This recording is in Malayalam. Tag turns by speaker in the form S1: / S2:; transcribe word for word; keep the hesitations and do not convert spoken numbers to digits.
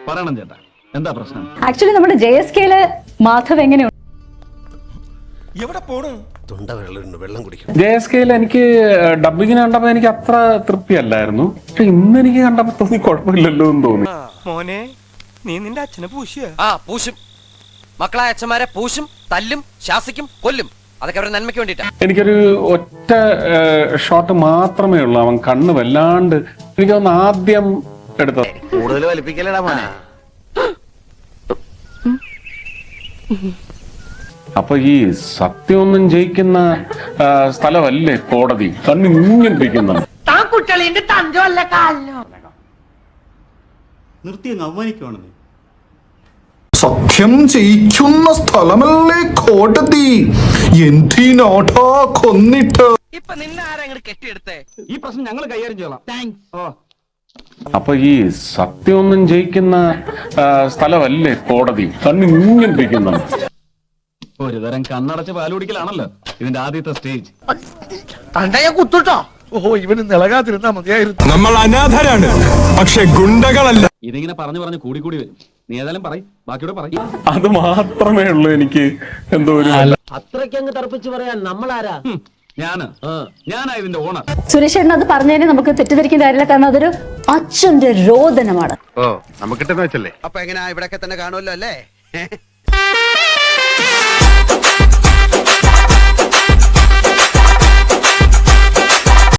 S1: പറയണം ചേട്ടാ, എന്താ പ്രശ്നം?
S2: ആക്ച്വലി നമ്മുടെ ജെ എസ് കെയില് മാധവ് എങ്ങനെയുണ്ട്?
S3: ജെ എസ് കെയിൽ എനിക്ക് ഡബിങ്ങിന് കണ്ടപ്പോ എനിക്ക് അത്ര തൃപ്തിയല്ലായിരുന്നു. പക്ഷെ ഇന്ന് എനിക്ക് കണ്ടപ്പോ തോന്നി കുഴപ്പമില്ലല്ലോ എന്ന് തോന്നി.
S4: മോനെ നീ നിന്റെ അച്ഛനെ പൂശിയ
S5: ആ പൂശും, മക്കളായ അച്ഛന്മാരെ പൂശും, തല്ലും, ശാസിക്കും, കൊല്ലും. അതൊക്കെ അവരുടെ നന്മയ്ക്ക് വേണ്ടിട്ടാ.
S3: എനിക്കൊരു ഒറ്റ ഷോട്ട് മാത്രമേ ഉള്ളൂ അവൻ കണ്ണ് വല്ലാണ്ട് എനിക്ക് തോന്നുന്നു ആദ്യം എടുത്തത്.
S1: കൂടുതൽ വലിപ്പിക്കലടാ മോനെ.
S3: അപ്പൊ ഈ സത്യമൊന്നും ജയിക്കുന്ന സ്ഥലമല്ലേ കോടതി, കണ്ണ് ഇങ്ങിരിക്കുന്നത്.
S1: നിർത്തി അവമാനിക്കുവാണെന്ന്.
S6: സത്യം ജയിക്കുന്ന സ്ഥലമല്ലേ കോടതി, എന്തിനാടാ കൊന്നിട്ട്?
S5: ഇപ്പൊ നിന്നെ ആരാ കെട്ടിയെടുത്തേ?
S1: ഈ പ്രശ്നം ഞങ്ങൾ കൈകാര്യം ചെയ്യலாம். ഓ,
S3: അപ്പൊ ഈ സത്യമൊന്നും ജയിക്കുന്ന സ്ഥലമല്ലേ കോടതി, കണ്ണ് ഇങ്ങിരിക്കുന്നത്.
S1: ഒരു തരം കണ്ണടച്ച് പാല് കുടിക്കലാണല്ലോ ഇതിന്റെ ആദ്യത്തെ സ്റ്റേജ്.
S4: കുത്തുട്ടോ. ഓ ഇവന് നിളകാതിരുന്നാ മതിയായിരുന്നു.
S6: നമ്മൾ അനാഥരാണ്, പക്ഷെ ഗുണ്ടകളല്ല.
S1: ഇതിങ്ങനെ പറഞ്ഞു പറഞ്ഞു കൂടി കൂടി വരും. നീ ഏതായാലും പറയും, ബാക്കിയോടെ പറയും.
S3: അത് മാത്രമേ ഉള്ളൂ എനിക്ക് എന്തോ ഒരു
S7: അത്രയ്ക്കങ്ങ് തറപ്പിച്ച് പറയാൻ നമ്മളാരാ?
S1: ഞാന് ഞാനാ ഇതിന്റെ ഓണർ.
S2: സുരേഷ് ഏട്ടൻ അത് പറഞ്ഞതിന് നമുക്ക് തെറ്റിദ്ധരിക്കുന്ന കാര്യമില്ല, കാരണം അതൊരു അച്ഛന്റെ രോദനമാണ്.
S8: ഓ നമുക്കിട്ടെന്ന് വെച്ചല്ലേ.
S5: അപ്പൊ എങ്ങനെയാ ഇവിടെയൊക്കെ തന്നെ കാണുമല്ലോ അല്ലേ?